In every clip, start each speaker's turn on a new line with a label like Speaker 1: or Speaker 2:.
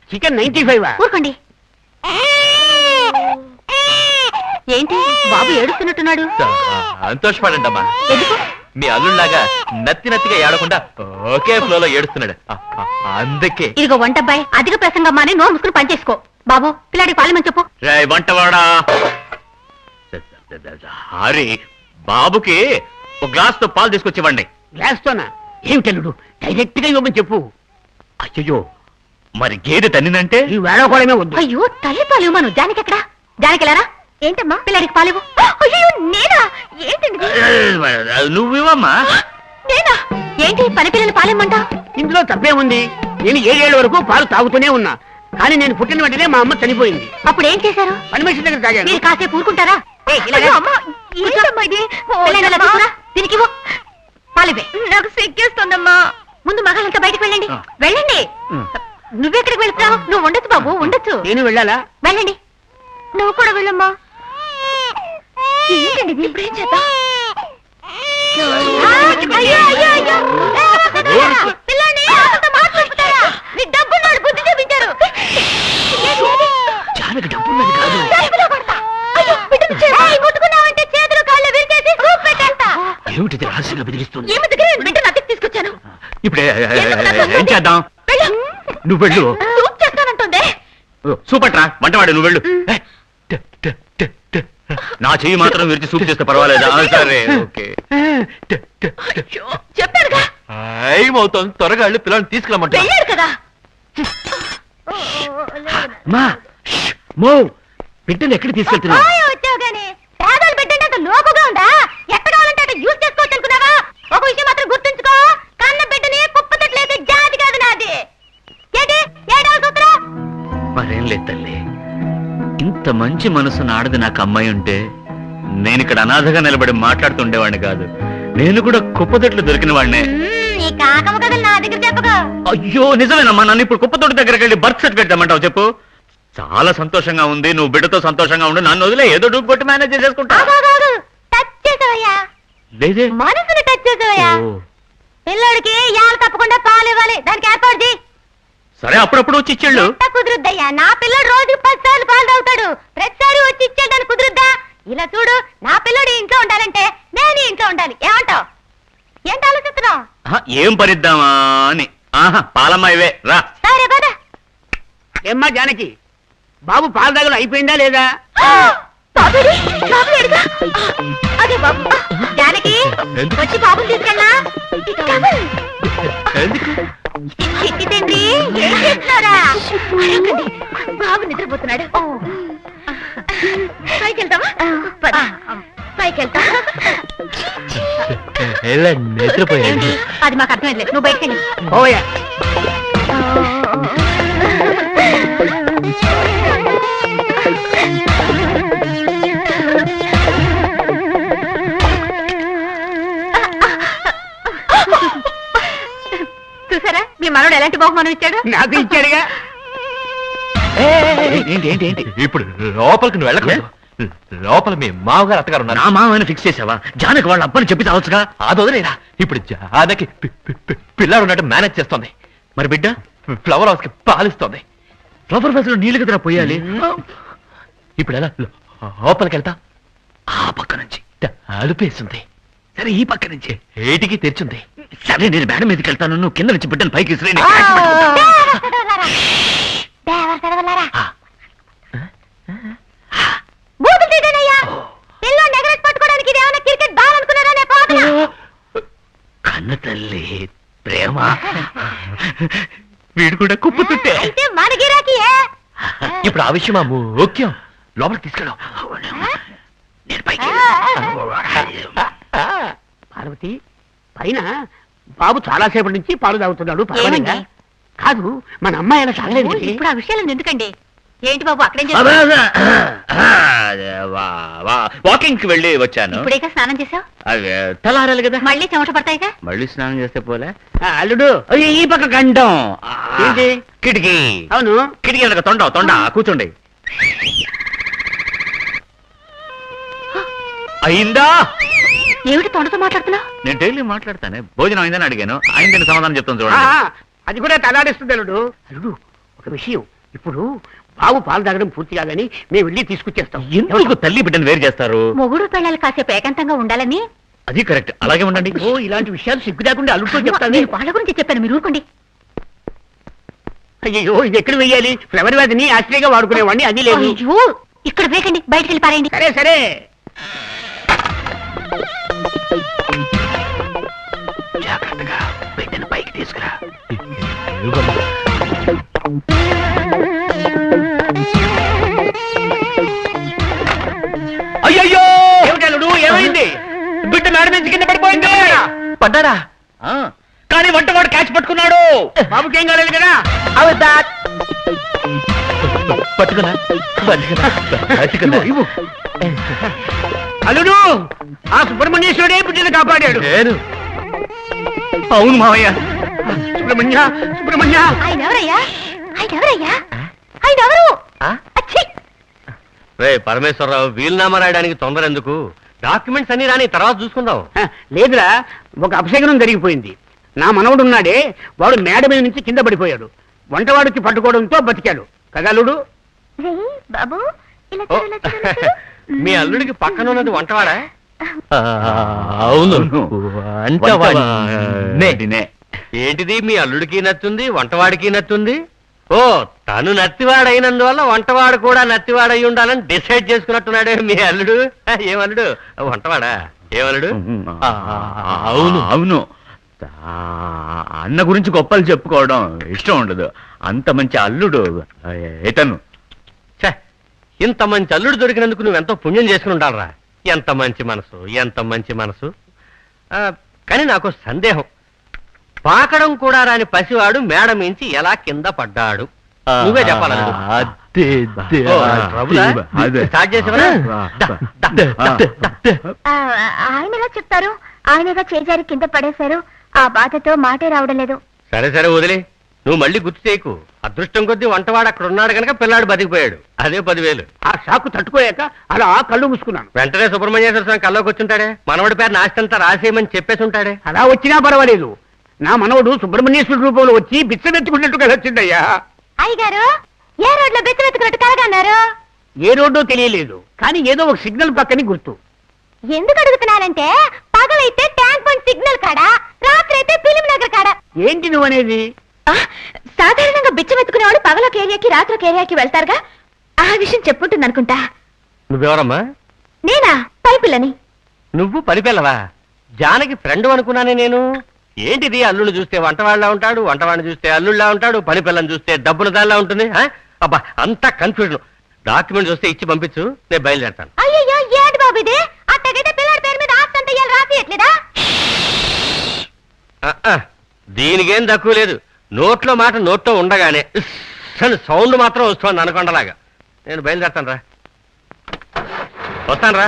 Speaker 1: Chicken 95.
Speaker 2: ఊరుకోండి. ఏంటి బాబు ఏడుస్తున్నట్టున్నాడు?
Speaker 3: సంతోషపడండమ్మా.
Speaker 2: ఎందుకు?
Speaker 3: మీ అల్లుళ్ళలాగా నత్తిగా ఏడకుండా ఒకే ఫ్లోలో ఏడుస్తున్నాడు, అందుకే.
Speaker 2: ఇదిగో వంటబ్బాయి, అధిక ప్రసంగం మాని నోరు ముసుకుని పనిచేసుకో. బాబు పిల్లాడికి పాలమని చెప్పు.
Speaker 3: వంటవాడా హరి, బాబుకి ఒక గ్లాస్ తో పాలు తీసుకొచ్చివ్వండి.
Speaker 1: గ్లాస్తోనా? ఏమిటల్లుడు, డైరెక్ట్ గా ఇవ్వమని చెప్పు.
Speaker 3: అయ్యో, మరి గేదె తన్నినంటే?
Speaker 1: ఈ వేళకోవడమే వద్దు.
Speaker 2: అయ్యో తల్లి పాలు ఇవ్వను. జానికి ఎక్కడా? జానికి వెళ్ళారా? ఏంటమ్మా పిల్లాడికి పాలివ్వు. అయ్యో నేనా? ఏంటండి
Speaker 3: నువ్వివమ్మా.
Speaker 2: నేనా? ఏంటి పని పిల్లలు పాలిమ్మంటా?
Speaker 1: ఇందులో తప్పే ఉంది. నేను 7 ఏళ్ల వరకు పాలు తాగుతూనే ఉన్నా. కానీ నేను పుట్టిన వెంటనే మా అమ్మ చనిపోయింది.
Speaker 2: అప్పుడు ఏం చేశారు?
Speaker 1: పని మనిషి దగ్గర తాగాను.
Speaker 2: మీరు కాసేపు ఊరుకుంటారా? దీనికి పాలివే. నాకు సిగ్గేస్తుందమ్మా. ముందు మగాళ్ళంతా బయటకు వెళ్ళండి. వెళ్ళండి. నువ్వెక్కడికి వెళ్తున్నావు? నువ్వు ఉండొచ్చు బాబు, ఉండొచ్చు.
Speaker 1: నేను వెళ్ళాలా?
Speaker 2: వెళ్ళండి. నువ్వు కూడా వెళ్ళమ్మా. ఏంటండి ఇప్పుడేం చేద్దాం? బుద్ధి చూపించారు.
Speaker 1: జానకి డబ్బున్నది కాదు.
Speaker 2: ముట్టుకున్నావంటే చేతులు కాళ్ళు విరిచేసి సూప్ పెట్టేస్తా.
Speaker 1: ఏమిటిది రహస్యంగా బెదిరిస్తుంది?
Speaker 2: ఏమి దగ్గర బిడ్డను అతికి తీసుకొచ్చాను.
Speaker 3: ఇప్పుడే ఏం చేద్దాం? నువ్వు వెళ్ళు.
Speaker 2: సూప్ చేస్తానంటుంది.
Speaker 3: సూపర్ రా, వంటవాడు నువ్వు వెళ్ళు. నా చెయ్యి మాత్రం విరిచి సూప్ చేస్తే పర్వాలేదా? సరే, ఓకే.
Speaker 2: చెప్పారుగా.
Speaker 3: ఏమవుతుంది? త్వరగా వెళ్ళి పిల్లల్ని తీసుకురమ్మంటా.
Speaker 2: వెళ్ళాడు కదా.
Speaker 1: బిడ్డను ఎక్కడికి తీసుకెళ్తున్నా?
Speaker 2: వచ్చావు గానీ పేదలు బిడ్డంటే అంత లోపుగా ఉందా? ఎక్కడ కావాలంటే అక్కడ యూజ్ చేసుకోవచ్చు అనుకున్నావా? ఒక విషయం మాత్రం గుర్తుంచుకో, కన్న బిడ్డని కుప్పతట్లేసే జాతి కాదు నాది. ఏంటి ఏడవ సూత్రం?
Speaker 3: మరేం లేదు తల్లి, ఇంత మంచి మనసు నాడది నాకు అమ్మాయి ఉంటే నేను ఇక్కడ అనాథగా నిలబడి మాట్లాడుతుండేవాడిని కాదు. నేను కూడా కుప్పతొట్లు దొరికిన వాడినే.
Speaker 2: ఈ కాకమ్మ కథలు నా దగ్గర చెప్పగా.
Speaker 3: అయ్యో నిజమేనమ్మా, నన్ను ఇప్పుడు కుప్పతోటి దగ్గరికి వెళ్ళి బర్త్ సర్టిఫికేట్ తెమ్మంటావు చెప్పు. చాలా సంతోషంగా ఉంది, నువ్వు బిడ్డతో సంతోషంగా ఉండు. నన్ను వదిలే, ఏదో డూపు కొట్టి మేనేజ్ చేసేసుకుంటా.
Speaker 2: టచ్ చేసావయ్యా,
Speaker 3: లేదే
Speaker 2: మనసుని టచ్ చేసావయ్యా. పిల్లోడికి యాలు తప్పకుండా పాలు ఇవ్వాలి, దానికి ఏర్పాటు చేయి.
Speaker 3: సరే, అప్పుడప్పుడు వచ్చి ఇచ్చేళ్ళు.
Speaker 2: కుదురుద్దయ్యా, నా పిల్లడు రోజుకి 10 సార్లు పాలు తాగుతాడు. ప్రతిసారి వచ్చి ఇచ్చేయడానికి కుదురుద్దా? ఇలా చూడు, నా పిల్లడు ఇంట్లో ఉండాలంటే నేను ఇంట్లో ఉండాలి. ఏమంటావు? ఏంటి ఆలోచిస్తున్నావు?
Speaker 3: ఏం పరిద్దామా అని. పాలమ్మ ఇవే రా.
Speaker 2: సరే పద.
Speaker 1: ఏమ్మా జానకి, బాబు పాల దగ్గర అయిపోయిందా లేదా?
Speaker 2: అదే బాబు. జానకి వచ్చి బాబుని తీసుకెళ్ళా. చిట్టి తండ్రి ఏం చేస్తున్నారా? బాబు నిద్రపోతున్నాడు. పైకి వెళ్తావా? పైకి వెళ్తా.
Speaker 3: నిద్రపోయింది.
Speaker 2: అది మాకు అర్థమైంది, నువ్వు బయటకి వెళ్ళి.
Speaker 1: ఓయా
Speaker 2: చూసారా మీ మనోడు ఎలాంటి బహుమానం ఇచ్చాడు?
Speaker 1: నాకు ఇచ్చాడుగా.
Speaker 3: ఏంటి ఏంటి ఏంటి? ఇప్పుడు లోపలికి నువ్వు వెళ్ళకూడదు. లోపల మీ మామగారు అత్తగారు ఉన్నారు. నా మామని ఫిక్స్ చేసావా? జానకి వాళ్ళ అబ్బని చెప్పి తావచ్చుగా. అది వదిలేరా. ఇప్పుడు జానకి పిల్లాడు ఉన్నట్టు మేనేజ్ చేస్తోంది. మరి బిడ్డ ఫ్లవర్ హౌస్ కి పాలిస్తోంది. ఫ్లవర్ హౌస్ లో నీళ్ళు కదా పోయాలి. ఇప్పుడు ఎలా లోపలికి వెళ్తా? ఆ పక్క నుంచి అలుపేస్తుంది. సరే, ఈ పక్క నుంచి ఏటికి తెరిచింది. సరే, నేను మేడం మీదకి వెళ్తాను, నువ్వు కింద నుంచి బిడ్డను పైకి విసిరేయ్. కన్న తల్లి ప్రేమ, వీడు కూడా కుప్పుతుంటే
Speaker 2: మన గిరాకీ.
Speaker 3: ఇప్పుడు ఆ విషయం ముఖ్యం. లోపలికి తీసుకెళ్ళాం. నేను పైకి
Speaker 1: పార్వతి, పైన బాబు చాలా సేపటి నుంచి పాలు తాగుతున్నాడు. పర్వాలేదా? కాదు, మన అమ్మాయి అలా తాగలేదు.
Speaker 2: ఇప్పుడు ఆ విషయాలు ఎందుకండి? ఏంటి బాబు అక్కడేం
Speaker 3: వాకింగ్ కి వెళ్ళి వచ్చాను.
Speaker 2: ఇప్పుడేగా స్నానం చేసావు?
Speaker 3: తలారాలి కదా,
Speaker 2: మళ్ళీ చెమట పడతాయిగా.
Speaker 3: మళ్ళీ స్నానం చేస్తే పోలే.
Speaker 1: అల్లుడు,
Speaker 3: ఈ పక్క కంఠం
Speaker 1: ఏంటి?
Speaker 3: కిటికీ.
Speaker 1: అవును,
Speaker 3: కిటికీ తొండ కూర్చోండి. అయిందా?
Speaker 2: ఏమిటి తొండతో మాట్లాడుతున్నావు?
Speaker 3: నేను డైలీ మాట్లాడతానే. భోజనం అయిందని అడిగాను, అయిందని సమాధానం చెప్తాను చూడండి.
Speaker 1: అది కూడా తలాడిస్తుంది. అల్లుడు, అల్లుడు, ఒక విషయం, ఇప్పుడు బాబు పాలు తాగడం పూర్తి కాదని మేము వెళ్ళి తీసుకొచ్చేస్తాం.
Speaker 3: ఎందుకు తల్లి బిడ్డను వేరు చేస్తారు?
Speaker 2: మొగుడు పిల్లలు కాసేపు ఏకాంతంగా ఉండాలని.
Speaker 3: అది కరెక్ట్, అలాగే ఉండండి.
Speaker 1: ఓ ఇలాంటి విషయాలు సిగ్గు లేకుండా అల్లుతో చెప్తాను.
Speaker 2: నేను వాళ్ళ గురించి చెప్పాను, మీరు ఊరుకోండి.
Speaker 1: అయ్యో ఇది ఎక్కడ వెయ్యాలి? ఫ్లవర్ వ్యాధిని ఆశ్రయంగా వాడుకునేవాడిని, అది లేదు.
Speaker 2: అయ్యో, ఇక్కడ వేకండి, బయటికి వెళ్ళి పారేయండి.
Speaker 1: సరే సరే.
Speaker 3: జాగ్రత్తగా బిడ్డను పైకి తీసుకురా. అయ్యయ్యో,
Speaker 1: ఏమిటల్లుడు ఏమైంది?
Speaker 3: బిడ్డ మేడ నుంచి కింద పడిపోయింది. పడ్డాడా? కానీ వంటవాడు క్యాచ్ పట్టుకున్నాడు.
Speaker 1: బాబుకేం కాలేదు కదా?
Speaker 3: పట్టుకున్నా పట్టుకున్నా.
Speaker 1: అల్లుడు, ఆ సుబ్రహ్మణ్యేశ్వరుడే బిడ్డను కాపాడాడు.
Speaker 3: అవును మావయ్య.
Speaker 1: సుబ్రహ్మణ్య సుబ్రహ్మణ్య.
Speaker 2: ఆయన ఎవరయ్యా? ఆయన ఎవరయ్యా? ఆయన ఎవరు? అచ్చి!
Speaker 3: రే పరమేశ్వరరావు, వీలునామా రాయడానికి తొందర ఎందుకు? డాక్యుమెంట్స్ అన్ని రాని తర్వాత చూసుకుందాం.
Speaker 1: లేదురా, ఒక అపశకనం జరిగిపోయింది. నా మనవడు ఉన్నాడే, వాడు మేడ మీద నుంచి కింద పడిపోయాడు. వంటవాడికి పట్టుకోవడంతో బతికాడు కదా అల్లుడు?
Speaker 2: బాబు, ఇలా
Speaker 3: ఓ,
Speaker 2: చూడు, ఇలా చూడు, ఇలా చూడు.
Speaker 3: మీ అల్లుడికి పక్కన ఉన్నది వంటవాడా? అవును, వంటవాడినే. ఏంటిది, మీ అల్లుడికి నచ్చుంది, వంటవాడికి నచ్చుంది? ఓ, తను నత్తివాడైనందువల్ల వంటవాడు కూడా నత్తివాడై ఉండాలని డిసైడ్ చేసుకున్నట్టున్నాడే మీ అల్లుడు. ఏమల్లుడు, వంటవాడా? ఏమల్లుడు?
Speaker 4: అవును అవును, అన్న గురించి గొప్పలు చెప్పుకోవడం ఇష్టం ఉండదు. అంత మంచి అల్లుడు ఇతను.
Speaker 3: ఛే, ఇంత మంచి అల్లుడు దొరికినందుకు నువ్వెంతో పుణ్యం చేసుకుని ఉండాలరా. ఎంత మంచి మనసు, ఎంత మంచి మనసు. కానీ నాకు సందేహం, పాకడం కూడా రాని పసివాడు మేడ మించి ఎలా కింద పడ్డాడు? నువ్వే చెప్పాలి. స్టార్ట్ చేసేవరా?
Speaker 2: ఆయన ఎలా చెప్తారు? ఆయనగా చేజారి కింద పడేశారు. ఆ బాధతో మాటే రావడం లేదు.
Speaker 3: సరే సరే వదిలే, నువ్వు మళ్ళీ గుర్తు చేయకు. అదృష్టం కొద్దీ వంటవాడు అక్కడ ఉన్నాడు కనుక పిల్లాడు బతికిపోయాడు. అదే 10,000.
Speaker 1: ఆ షాకు తట్టుకోలేక అలా కళ్ళు మూసుకున్నాను.
Speaker 3: వెంటనే సుబ్రహ్మణ్యేశ్వర స్వామి కల్లోకి వచ్చుంటాడే, మనవడి పేరు నాస్తంతా రాసేయమని చెప్పేసి ఉంటాడే.
Speaker 1: అలా వచ్చినా పర్వాలేదు, నా మనవడు సుబ్రహ్మణ్యేశ్వరుడు రూపంలో వచ్చి బిచ్చమెత్తుకున్నట్టుగా వచ్చిందయ్యా.
Speaker 2: అయ్యగారు, ఏ రోడ్లో బెత్తమెత్తుకున్నట్టు కలగన్నారు?
Speaker 1: ఏ రోడ్డో తెలియలేదు, కానీ ఏదో ఒక సిగ్నల్ పక్కని గుర్తు.
Speaker 2: ఎందుకు అడుగుతున్నానంటే, పగలైతే ట్యాంక్ బండ్ సిగ్నల్ కాడా, రాత్రి అయితే ఫిలిం నగర్ కాడా.
Speaker 1: ఏంటి నువ్వనేది?
Speaker 2: సాధారణంగా బిచ్చమెత్తుకునేవాడు పగలొక ఏరియాకి రాత్రి ఒక ఏరియాకి వెళ్తారుగా, ఆ విషయం చెప్పుంటుంది అనుకుంటా.
Speaker 3: నువ్వెవరమ్మా?
Speaker 2: నేనా? పైపిల్లని.
Speaker 3: నువ్వు పనిపిల్లవా? జానకి ఫ్రెండ్ అనుకున్నానే నేను. ఏంటిది, అల్లుడు చూస్తే వంటవాళ్ళ ఉంటాడు, వంటవాడిని చూస్తే అల్లుళ్ళ ఉంటాడు, పని పిల్లని చూస్తే డబ్బుల దానిలా ఉంటుంది. అబ్బా, అంతా కన్ఫ్యూజన్. డాక్యుమెంట్ చూస్తే ఇచ్చి పంపించు, నేను బయలుదేరతాను.
Speaker 2: అయ్యయ్యో, ఏంటి బాబు ఇది? అట్టగైతే పిల్లాడి పేరు మీద ఆస్తి అంతా ఇయ్యాలి, రాసియట్లేదా?
Speaker 3: దీనికేం తక్కువ లేదు. నోట్లో మాట నోట్లో ఉండగానే సౌండ్ మాత్రం వస్తుంది అనకొండలాగా. నేను బయలుదేరతాను రా, వస్తాను రా.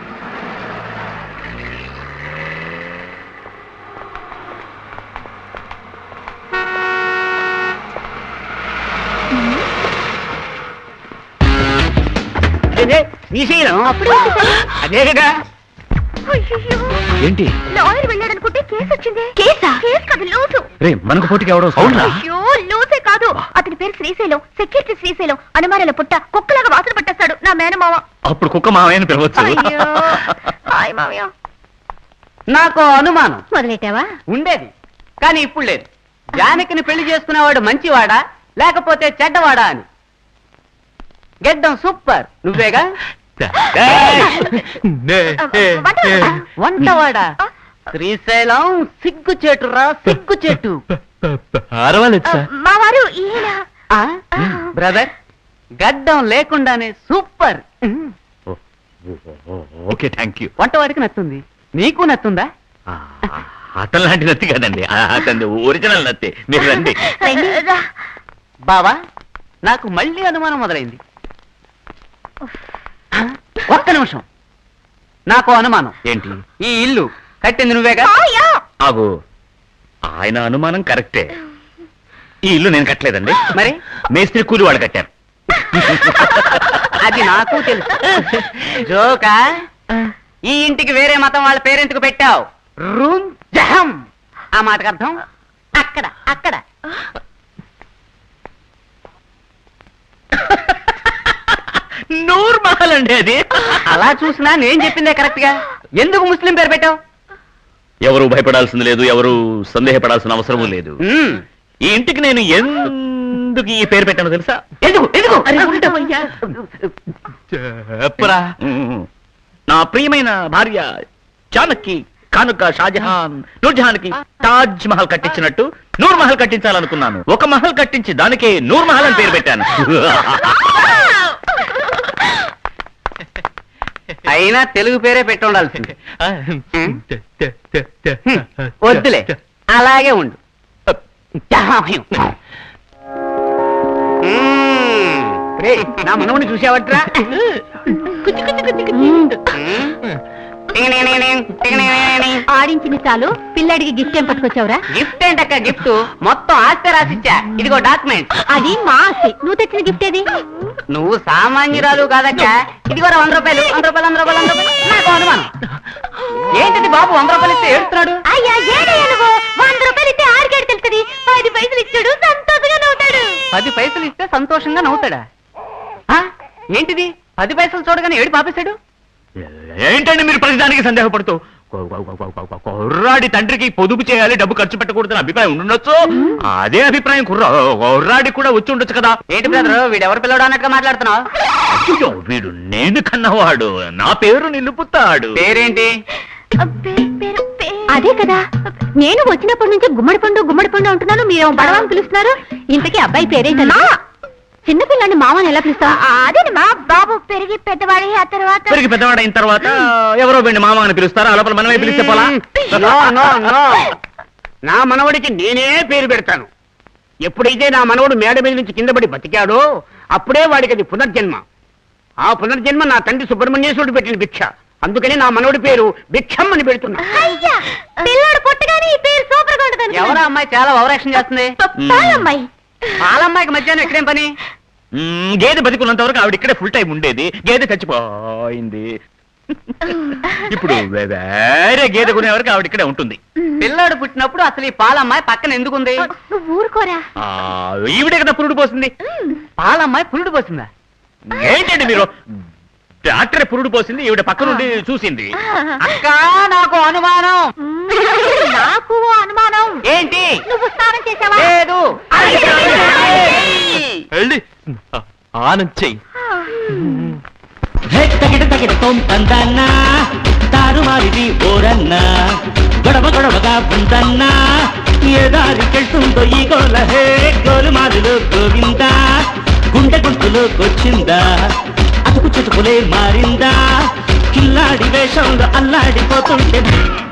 Speaker 1: శ్రీశైలం అదే కదా?
Speaker 4: ఏంటి?
Speaker 2: లాయర్ వెళ్ళాడనుకుంటే కేసు వచ్చింది. కేసా? కేసు కాదు, లూసు.
Speaker 4: రే, మనకు పోటీకి ఎవడో
Speaker 2: అయ్యో, లూసే కాదు, అతని పేరు శ్రీశైలం, సెక్యూరిటీ శ్రీశైలం. అనుమానాల పుట్ట, కుక్కలాగా వాసన పట్టేస్తాడు నా మేనమావ.
Speaker 4: అప్పుడు కుక్క మావయ్యని పిలవచ్చు.
Speaker 2: అయ్యో, హాయ్ మావయ్య.
Speaker 1: నాకు అనుమానం
Speaker 2: మొదలెట్టావా?
Speaker 1: ఉండేది, కానీ ఇప్పుడు లేదు. జానకిని పెళ్లి చేసుకునేవాడు మంచివాడా లేకపోతే చెడ్డవాడా అని. గెడ్డం సూపర్, నువ్వేగా? వంటవాడా? శ్రీశైలం సిగ్గు చెట్టురా, సిగ్గు చెట్టు.
Speaker 2: మా వారు ఈయన.
Speaker 1: బ్రదర్, గడ్డం లేకుండానే సూపర్.
Speaker 4: Okay, thank you.
Speaker 1: వంటవాడికి నచ్చుంది, నీకు నచ్చుందా?
Speaker 4: అతను లాంటి నత్తి కదండి, అతని ఒరిజినల్ నత్తి. మీరు రండి.
Speaker 1: బావా, నాకు మళ్ళీ అనుమానం మొదలైంది. ఒక్క నిమిషం, నాకు అనుమానం.
Speaker 4: ఏంటి?
Speaker 1: ఈ ఇల్లు కట్టింది నువ్వేగా?
Speaker 4: ఆగు, ఆయన అనుమానం కరెక్టే. ఈ ఇల్లు నేను కట్టలేదండి.
Speaker 1: మరి
Speaker 4: మేస్త్రి కూలి వాళ్ళు కట్టారు.
Speaker 1: అది నాకు తెలుసు. జోకా? ఈ ఇంటికి వేరే మతం వాళ్ళ పేరెంట్కు పెట్టావు. రూమ్ జహం. ఆ మాటకు అర్థం? అక్కడ అక్కడ.
Speaker 4: నూర్ మహల్ అండి అది.
Speaker 1: అలా చూసినా నేను చెప్పిందే కరెక్ట్ గా. ఎందుకు ముస్లిం పేరు పెట్టావు?
Speaker 4: ఎవరు భయపడాల్సింది లేదు, ఎవరు సందేహపడాల్సిన అవసరం లేదు. ఈ ఇంటికి నేను ఎందుకు ఈ పేరు పెట్టానో తెలుసా?
Speaker 1: ఎందుకు ఎందుకు
Speaker 3: చెప్పరా.
Speaker 4: నా ప్రియమైన భార్య జానకి కానుక షాజహాన్ నూర్జహాన్ కి తాజ్ మహల్ కట్టించినట్టు నూర్ మహల్ కట్టించాలనుకున్నాను. ఒక మహల్ కట్టించి దానికే నూర్ మహల్ అని పేరు పెట్టాను.
Speaker 1: అయినా తెలుగు పేరే పెట్టి ఉండాల్సింది. వద్దులే, అలాగే ఉండు. రేయ్, నా మనవుని చూసావట్రా?
Speaker 2: ఆడించింది చాలు, పిల్లడికి గిఫ్ట్ ఏం పట్టుకొచ్చావురా?
Speaker 1: గిఫ్ట్ ఏంటక్క గిఫ్ట్? మొత్తం ఆస్తి రాసిచ్చా. ఇదిగో డాక్యుమెంట్.
Speaker 2: అది మా ఆస్తి, నువ్వు తెచ్చిన గిఫ్ట్ ఏది?
Speaker 1: నువ్వు సామాన్యురాలు కాదక్క. ఇదిగో 100 రూపాయలు. 100 రూపాయలు 100 రూపాయలు 100 రూపాయలు. నాకు అనుమానం. ఏంటిది బాబు 100 రూపాయలు ఇస్తే ఏడుతున్నాడు?
Speaker 2: అయ్యా ఏడయ్యా నువ్వు, 100 రూపాయలు ఇస్తే ఆరికేడు తెలుస్తుంది. 10 పైసలు ఇచ్చాడు, సంతోషంగా నవ్వుతాడు.
Speaker 1: 10 పైసలు ఇస్తే సంతోషంగా నవ్వుతాడా? ఆ? ఏంటిది 10 పైసలు చూడగానే ఏడు పాపేశాడు?
Speaker 4: ఏంటండి మీరు ప్రతిదానికి సందేహపడుతూ? కుర్రాడి తండ్రికి పొదుపు చేయాలి, డబ్బు ఖర్చు పెట్టకూడదని అభిప్రాయం ఉండొచ్చు. అదే అభిప్రాయం కుర్రాడి కూడా వచ్చి ఉండొచ్చు కదా.
Speaker 1: ఏంటి బ్రదర్, వీడెవరు పిల్లడు అన్నట్టుగా మాట్లాడుతున్నావు?
Speaker 4: అయ్యో, వీడు నేను కన్నవాడు, నా పేరు నిలుపుతాడు.
Speaker 1: పేరేంటి?
Speaker 2: అదే కదా, నేను వచ్చినప్పటి నుంచి గుమ్మడి పండు అంటున్నాను, మీరు బడవాన్ని పిలుస్తున్నారు. ఇంతకీ అబ్బాయి పేరేంటన్నా? చిన్నపిల్లని మామని ఎలా పిలుస్తా? అదే మా బాబు పెరిగి పెద్దవాడి ఆ తర్వాత
Speaker 4: పెరిగి పెద్దవాడైన తర్వాత ఎవరో వీడిని మామ అని పిలుస్తారా? లోపల మనమే పిలిస్తే పోలా?
Speaker 5: నో నో నో, నా మనవడికి నేనే పేరు పెడతాను. ఎప్పుడైతే నా మనవడు మేడ మీద నుంచి కింద పడి బతికాడో అప్పుడే వాడికి అది పునర్జన్మ. ఆ పునర్జన్మ నా తండ్రి సుబ్రహ్మణ్యేశ్వరుడు పెట్టిన భిక్ష. అందుకని నా మనవడి పేరు భిక్షం అని పెడుతున్నా.
Speaker 2: పిల్లాడు పుట్టగానే ఈ పేరు సూపర్ గా ఉంటుంది.
Speaker 1: ఎవరా అమ్మాయి చాలా ఓవరాక్షన్ చేస్తుంది?
Speaker 2: పాలమ్మాయి.
Speaker 1: పాలమ్మాయికి మధ్యాహ్నం ఎక్కడేం పని?
Speaker 4: గేదె బతికున్నంత వరకు ఆవిడ ఇక్కడే ఫుల్ టైం ఉండేది. గేదె చచ్చిపోయింది. ఇప్పుడు వేరే గేదె కొనే వరకు ఆవిడ ఇక్కడే ఉంటుంది.
Speaker 1: పిల్లాడు పుట్టినప్పుడు అసలు ఈ పాలమ్మాయి పక్కన ఎందుకుంది?
Speaker 2: నువ్వు ఊరుకోరా.
Speaker 4: ఈవిడే కదా పురుడు పోసింది.
Speaker 1: పాలమ్మాయి పురుడు పోసిందా?
Speaker 4: ఏంటండి మీరు? డాక్టర్ పురుడు పోసింది, ఈవిడ పక్క నుండి చూసింది.
Speaker 1: అక్క, నాకు అనుమానం.
Speaker 2: నాకు అనుమానం.
Speaker 1: ఏంటి?
Speaker 2: నువ్వు స్నానం చేసావా?
Speaker 1: లేదు.
Speaker 3: వెళ్ళి ఆనంద్ చెయ్యి.
Speaker 6: తగిట తొంపందన్న తారుమారిది ఓరన్న గొడవగా ఉందన్న ఏ దారికెళ్తుందో ఈ గోల హే గోలుమారులు గోవింద గుండె గుంటులోకొచ్చిందా అతుకు చుటుకులే మారిందా కిల్లాడి వేషంలో అల్లాడిపోతుంటే